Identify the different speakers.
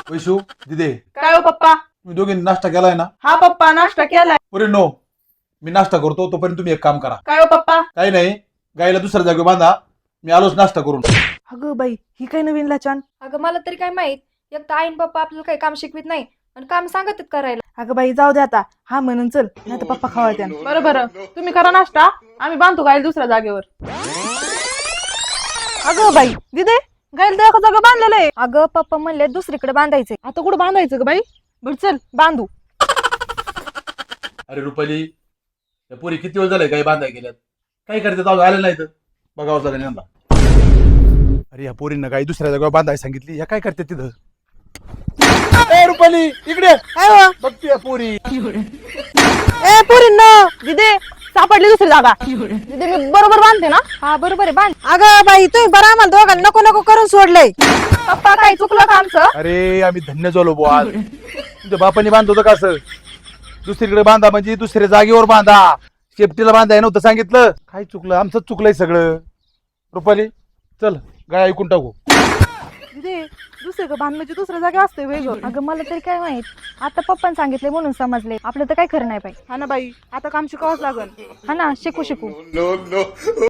Speaker 1: वैशू दिदे,
Speaker 2: काय हो पप्पा?
Speaker 1: तुम्ही दोघींनी नाश्ता केलाय ना?
Speaker 2: हा पप्पा, नाश्ता केलाय.
Speaker 1: अरे नो, मी नाश्ता करतो तोपर्यंत तुम्ही एक काम करा.
Speaker 2: काय हो पप्पा?
Speaker 1: काही नाही, गाईला दुसऱ्या जागेवर बांधा, मी आलोच नाश्ता करून.
Speaker 2: अगं बाई, ही काय नवीन लाचान?
Speaker 3: अगं मला तरी काय माहित, एक तर आईन पप्पा आपल्याला काही काम शिकवित नाही आणि काम सांगतात करायला.
Speaker 2: अगं बाई जाऊ दे आता, हा म्हणून चल, नाही तर पप्पा खावायच्या. बरं बरं, तुम्ही करा नाश्ता, आम्ही बांधतो गायला दुसऱ्या जागेवर. अगं बाई दिदे, गायला तर एका जागा बांधलेलं आहे.
Speaker 3: अगं पप्पा म्हणले दुसरीकडे बांधायचे.
Speaker 2: आता कुठं बांधायचं ग बाई? बरं चल बांधू.
Speaker 1: अरे रुपाली, त्या पोरी किती वेळ झालाय गाई बांधाय गेल्यात, काय करते जाऊ आले नाही तर बघावं लागेल यांना. अरे या पोरींना गाई दुसऱ्या जागेवर बांधाय सांगितली, या काय करते तिथं? ए रुपाली इकडे बघते या पोरी.
Speaker 2: ए पोरींनो, दिदे सापडली दुसरी जागा. दिदे मी बरोबर बांधते ना?
Speaker 3: हा बरोबर आहे, बांध.
Speaker 2: अगं बाई तुम्ही बरं आम्हाला दोघांना नको नको करून सोडलंय. पप्पा काय चुकलं का आमचं?
Speaker 1: अरे आम्ही धन्य झालो बुवा आज. तुमच्या बापाने बांधत होतं का असं? दुसरीकडे बांधा म्हणजे दुसऱ्या जागेवर बांधा, शेपटीला बांधाय नव्हतं सांगितलं. काय चुकलं? आमचंच चुकलंय सगळं. रुपाली चल गाय ऐकून टाकू.
Speaker 2: दिदे दुसरं बांधण्याची दुसऱ्या जागा असते वेगळं.
Speaker 3: अगं मला तरी काय माहित, आता पप्पाने सांगितले म्हणून समजले. आपलं तर काय खरं नाही बाई.
Speaker 2: हा ना बाई, आता काम शिकावंच लागल.
Speaker 3: हा ना, शिकू.